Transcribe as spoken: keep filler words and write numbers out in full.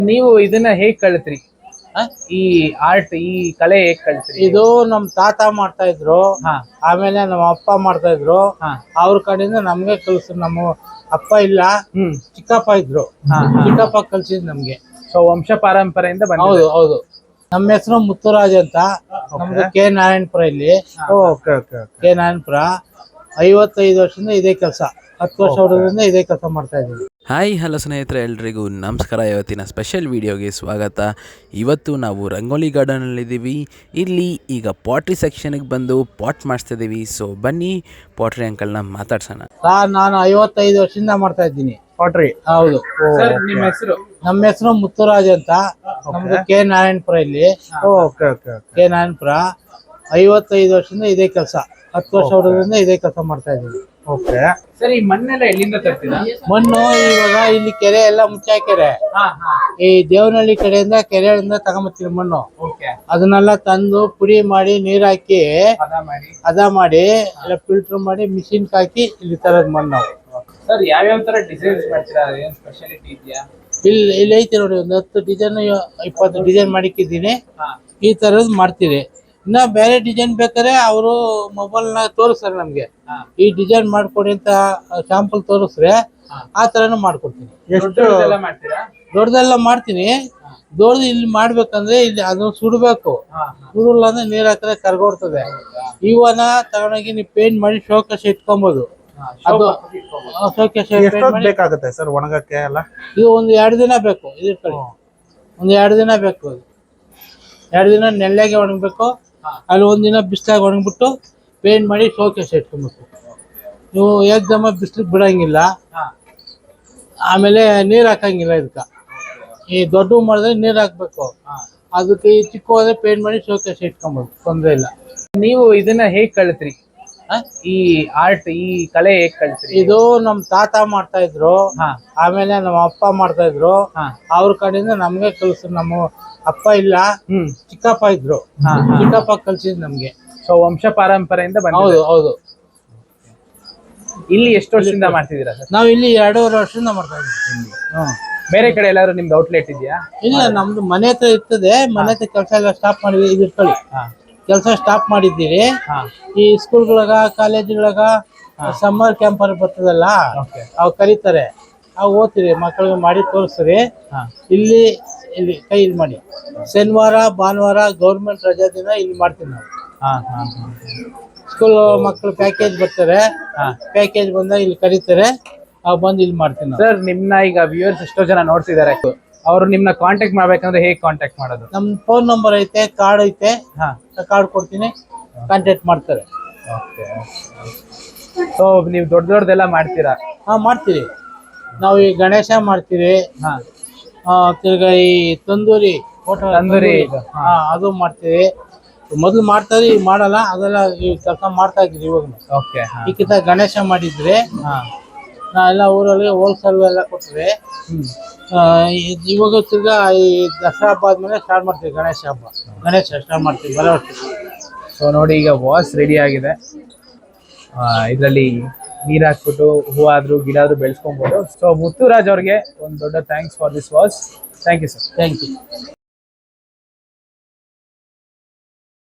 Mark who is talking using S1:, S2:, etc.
S1: ನೀವು ಇದನ್ನ ಹೇಗ್ ಕಲಿತ್ರಿ? ಈ ಆರ್ಟ್ ಈ ಕಲೆ ಹೇಗ್ ಕಲಿತ್ರಿ?
S2: ಇದು ನಮ್ ತಾತ ಮಾಡ್ತಾ ಇದ್ರು, ಆಮೇಲೆ ನಮ್ಮ ಅಪ್ಪ ಮಾಡ್ತಾ ಇದ್ರು. ಅವ್ರ ಕಡೆಯಿಂದ ನಮ್ಗೆ ಕಲ್ಸಿದ್ರು. ನಮ್ಮ ಅಪ್ಪ ಇಲ್ಲ, ಚಿಕ್ಕಪ್ಪ ಇದ್ರು, ಚಿಕ್ಕಪ್ಪ ಕಲ್ಸಿದ್ ನಮ್ಗೆ.
S1: ಸೊ ವಂಶ ಪಾರಂಪರೆಯಿಂದ ಬಂದ.
S2: ಹೌದು ಹೌದು. ನಮ್ಮ ಹೆಸರು ಮುತ್ತುರಾಜ್ ಅಂತ. ನಮ್ದು ಕೆ ನಾರಾಯಣಪುರ ಇಲ್ಲಿ. ಕೆ ನಾರಾಯಣಪುರ. ಐವತ್ತೈದು ವರ್ಷದಿಂದ ಇದೇ ಕೆಲಸ, ಹತ್ತು ವರ್ಷ ವರ್ಷದಿಂದ ಇದೇ ಕೆಲಸ ಮಾಡ್ತಾ ಇದ್ದೀವಿ.
S3: ಹಾಯ್ ಹಲೋ ಸ್ನೇಹಿತರೆ, ಎಲ್ರಿಗೂ ನಮಸ್ಕಾರ. ಇವತ್ತಿನ ಸ್ಪೆಷಲ್ ವೀಡಿಯೋಗೆ ಸ್ವಾಗತ. ಇವತ್ತು ನಾವು ರಂಗೋಲಿ ಗಾರ್ಡನಲ್ಲಿದ್ದೀವಿ. ಇಲ್ಲಿ ಈಗ ಪಾಟ್ರಿ ಸೆಕ್ಷನ್ಗೆ ಬಂದು ಪಾಟ್ ಮಾಡಿಸ್ತಿದ್ದೀವಿ. ಸೊ ಬನ್ನಿ ಪಾಟ್ರಿ ಅಂಕಲ್ನ ಮಾತಾಡ್ಸೋಣ.
S2: ನಾನು ಐವತ್ತೈದು ವರ್ಷದಿಂದ ಮಾಡ್ತಾ ಇದ್ದೀನಿ
S1: ಪಾಟ್ರಿ.
S2: ಹೌದು.
S1: ನಿಮ್ಮ ಹೆಸರು?
S2: ನಮ್ಮ ಹೆಸರು ಮುತ್ತುರಾಜ್ ಅಂತ. ನಮ್ದು ಕೆ ನಾರಾಯಣಪುರ ಇಲ್ಲಿ. ಕೆ ನಾರಾಯಣಪುರ. ಐವತ್ತೈದು ವರ್ಷದಿಂದ ಇದೇ ಕೆಲಸ, ಹತ್ತು ವರ್ಷ ವರ್ಷದಿಂದ ಇದೇ ಕೆಲಸ ಮಾಡ್ತಾ ಇದ್ದೀವಿ.
S1: ಓಕೆ ಸರ್, ಈ ಮಣ್ಣೆಲ್ಲ ಎಲ್ಲಿಂದ ತರ್ತೀರಾ?
S2: ಮಣ್ಣು ಇವಾಗ ಇಲ್ಲಿ ಕೆರೆ ಎಲ್ಲ ಮುಚ್ಚಾ ಕೆರೆ, ಈ ದೇವನಹಳ್ಳಿ ಕಡೆಯಿಂದ ಕೆರೆಯಿಂದ ತಗೊಂಬತ್ತೀವಿ ಮಣ್ಣು. ಅದನ್ನೆಲ್ಲ ತಂದು ಪುಡಿ ಮಾಡಿ ನೀರ್ ಹಾಕಿ ಹದ ಮಾಡಿ ಎಲ್ಲ ಫಿಲ್ಟರ್ ಮಾಡಿ ಮಿಷಿನ್ ಹಾಕಿ ಇಲ್ಲಿ ತರದ ಮಣ್ಣು.
S1: ಸರ್, ಯಾವ್ಯಾವ ತರ ಡಿಸೈನ್ಸ್ ಮಾಡ್ತೀರಾ? ಏನ್ ಸ್ಪೆಷಾಲಿಟಿ ಇದೆಯಾ?
S2: ಇಲ್ಲಿ ಇಲ್ಲಿ ಐತಿ ನೋಡಿ, ಒಂದು ಹತ್ತು ಡಿಸೈನ್ ಇಪ್ಪತ್ತು ಡಿಸೈನ್ ಮಾಡಿಕ್ಕಿದ್ದೀನಿ. ಈ ತರದ್ ಮಾಡ್ತೀರಿ. ಇನ್ನ ಬೇರೆ ಡಿಸೈನ್ ಬೇಕಾದ್ರೆ ಅವರು ಮೊಬೈಲ್ ನ ತೋರಿಸ್ತಾರೆ ನಮ್ಗೆ, ಈ ಡಿಸೈನ್ ಮಾಡ್ಕೊಡಿ ಅಂತ ಶಾಂಪಲ್ ತೋರಿಸ್ರೆ ಆ ತರನು ಮಾಡ್ಕೊಡ್ತೀನಿ. ದೊಡ್ಡದೆಲ್ಲ ಮಾಡ್ತೀನಿ. ದೊಡ್ಡದು ಇಲ್ಲಿ ಮಾಡ್ಬೇಕಂದ್ರೆ ಇಲ್ಲಿ ಅದನ್ನ ಸುಡ್ಬೇಕು. ಸುಡಲ್ಲ ಅಂದ್ರೆ ನೀರ್ ಹಾಕಿದ್ರೆ ಕರ್ಗೋಡ್ತದೆ. ಇವನ ತಗೊಂಡೋಗಿ ನೀವು ಪೇಂಟ್ ಮಾಡಿ ಶೋಕೇಶ್ ಇಟ್ಕೊಬಹುದು. ಅದು ಶೋಕೇಶ್
S4: ಬೇಕಾಗುತ್ತೆ ಸರ್ ಒಣಗಕ್ಕೆ ಎಲ್ಲ?
S2: ಇದು ಒಂದು ಎರಡು ದಿನ ಬೇಕು. ಇದ್ರ ಕಡೆ ಒಂದು ಎರಡು ದಿನ ಬೇಕು. ಎರಡು ದಿನ ನೆಲ್ಲಾಗೆ ಒಣಗಬೇಕು. ಅಲ್ಲಿ ಒಂದಿನ ಬಿಸಿಲಾಗ ಒಣಗ್ಬಿಟ್ಟು ಪೇಂಟ್ ಮಾಡಿ ಶೋಕೇಶ್ ಇಟ್ಕೊಬೇಕು. ನೀವು ಏಕ್ದಮ್ಮ ಬಿಸಿಲಿಗೆ ಬಿಡಂಗಿಲ್ಲ, ಆಮೇಲೆ ನೀರ್ ಹಾಕಂಗಿಲ್ಲ. ಇದಕ್ಕ ಈ ದೊಡ್ಡ ಮಾಡಿದ್ರೆ ನೀರ್ ಹಾಕ್ಬೇಕು. ಅದಕ್ಕೆ ಈ ಚಿಕ್ಕ ಹೋದ್ರೆ ಪೇಂಟ್ ಮಾಡಿ ಶೋಕೇಶ್ ಇಟ್ಕೊಬೋದು, ತೊಂದ್ರೆ ಇಲ್ಲ.
S1: ನೀವು ಇದನ್ನ ಹೇಗ್ ಕಲಿತ್ರಿ? ಈ ಆರ್ಟ್ ಈ ಕಲೆ ಹೇಗ್ ಕಲಿತ್ರಿ?
S2: ಇದು ನಮ್ ತಾತ ಮಾಡ್ತಾ ಇದ್ರು, ಆಮೇಲೆ ನಮ್ಮ ಅಪ್ಪ ಮಾಡ್ತಾ ಇದ್ರು. ಅವ್ರ ಕಡೆಯಿಂದ ನಮ್ಗೆ ಕಲ್ಸಿದ್ರು. ನಮ್ಮ ಅಪ್ಪ ಇಲ್ಲ, ಚಿಕ್ಕಪ್ಪ ಇದ್ರು, ಚಿಕ್ಕಪ್ಪ ಕಲ್ಸಿದ್ ನಮ್ಗೆ.
S1: ಸೊ ವಂಶ ಪಾರಂಪರೆಯಿಂದ ಬಂದ.
S2: ಹೌದು ಹೌದು.
S1: ಇಲ್ಲಿ ಎಷ್ಟು ವರ್ಷದಿಂದ ಮಾಡ್ತಿದ್ದೀರಾ ಸರ್?
S2: ನಾವ್ ಇಲ್ಲಿ ಎರಡೂವರೆ ವರ್ಷದಿಂದ ಮಾಡ್ತಾ ಇದ್ದೀವಿ.
S1: ಬೇರೆ ಕಡೆ ಎಲ್ಲಾದ್ರೂ ನಿಮ್ದು ಔಟ್ಲೆಟ್ ಇದೆಯಾ?
S2: ಇಲ್ಲ, ನಮ್ದು ಮನೆ ಹತ್ರ ಇರ್ತದೆ. ಮನೆ ಹತ್ರ ಕೆಲಸ ಎಲ್ಲ ಸ್ಟಾಪ್ ಮಾಡಿದ್ವಿ. ಇದಿರ್ಕೊಳ್ಳಿ, ಕೆಲಸ ಸ್ಟಾಪ್ ಮಾಡಿದ್ದೀರಿ. ಈ ಸ್ಕೂಲ್ಗಳಾಗ ಕಾಲೇಜ್ಗಳಾಗ ಸಮ್ಮರ್ ಕ್ಯಾಂಪ್ ಅಲ್ಲಿ ಬರ್ತದಲ್ಲ, ಅವ್ ಕರೀತಾರೆ, ಅವ್ ಓದ್ತೀರಿ, ಮಕ್ಕಳಿಗೆ ಮಾಡಿ ತೋರಿಸ್ರಿ. ಇಲ್ಲಿ ಇಲ್ಲಿ ಕೈ ಇಲ್ಲಿ ಮಾಡಿ. ಶನಿವಾರ ಭಾನುವಾರ ಗೌರ್ಮೆಂಟ್ ರಜಾ ದಿನ ಇಲ್ಲಿ ಮಾಡ್ತೀವಿ ನಾವು. ಸ್ಕೂಲ್ ಮಕ್ಕಳು ಪ್ಯಾಕೇಜ್ ಬರ್ತಾರೆ, ಪ್ಯಾಕೇಜ್ ಬಂದಾಗ ಇಲ್ಲಿ ಕರೀತಾರೆ, ಅವ್ ಬಂದು ಇಲ್ಲಿ ಮಾಡ್ತೀನಿ.
S1: ಸರ್, ನಿಮ್ನ ಈಗ ವ್ಯೂವರ್ಸ್ ಎಷ್ಟೋ ಜನ ನೋಡ್ತಿದ್ದಾರೆ, ಅವ್ರು ನಿಮ್ನ ಕಾಂಟ್ಯಾಕ್ಟ್ ಮಾಡ್ಬೇಕಂದ್ರೆ ಹೇಗ್ ಕಾಂಟ್ಯಾಕ್ಟ್ ಮಾಡೋದು?
S2: ನಮ್ ಫೋನ್ ನಂಬರ್ ಐತೆ, ಕಾರ್ಡ್ ಐತೆ, ಕಾರ್ಡ್ ಕೊಡ್ತೀನಿ, ಕಾಂಟ್ಯಾಕ್ಟ್ ಮಾಡ್ತಾರೆ.
S1: ಸೊ ನೀವು ದೊಡ್ಡ ದೊಡ್ಡದೆಲ್ಲ ಮಾಡ್ತೀರಾ?
S2: ಹಾ ಮಾಡ್ತೀರಿ. ನಾವು ಈ ಗಣೇಶ ಮಾಡ್ತೀವಿ, ತಿರ್ಗಾ ಈ ತಂದೂರಿ
S1: ತಂದೂರಿ
S2: ಹಾ ಅದು ಮಾಡ್ತೀವಿ. ಮೊದ್ಲು ಮಾಡ್ತಾರೆ, ಈಗ ಮಾಡಲ್ಲ. ಅದೆಲ್ಲ ಈ ಕೆಲಸ ಮಾಡ್ತಾ ಇದ್ರಿ ಇವಾಗ.
S1: ಓಕೆ.
S2: ಈಗಿಂತ ಗಣೇಶ ಮಾಡಿದ್ರೆ ನಾ ಎಲ್ಲ ಊರಲ್ಲಿ ಹೋಲ್ಸೇಲ್ ಎಲ್ಲ ಕೊಟ್ರೆ, ಇವಾಗ ತಿರ್ಗಾ ಈ ದಸರಾ ಹಬ್ಬ ಆದ್ಮೇಲೆ ಸ್ಟಾರ್ಟ್ ಮಾಡ್ತೀವಿ ಗಣೇಶ ಹಬ್ಬ. ಗಣೇಶ ಸ್ಟಾರ್ಟ್ ಮಾಡ್ತೀವಿ ಬರೋ ವರ್ಷ.
S1: ಸೊ ನೋಡಿ, ಈಗ ವಾಸ್ ರೆಡಿ ಆಗಿದೆ. ಇದರಲ್ಲಿ ನೀರ್ ಹಾಕ್ಬಿಟ್ಟು ಹೂವಾದ್ರು ಗಿಡ ಆದ್ರೂ ಬೆಳೆಸ್ಕೊಬಹುದು. ಸೊ ಮುತ್ತುರಾಜ್ ಅವ್ರಿಗೆ ಒಂದು ದೊಡ್ಡ thanks for this was. Thank you sir.
S2: Thank you.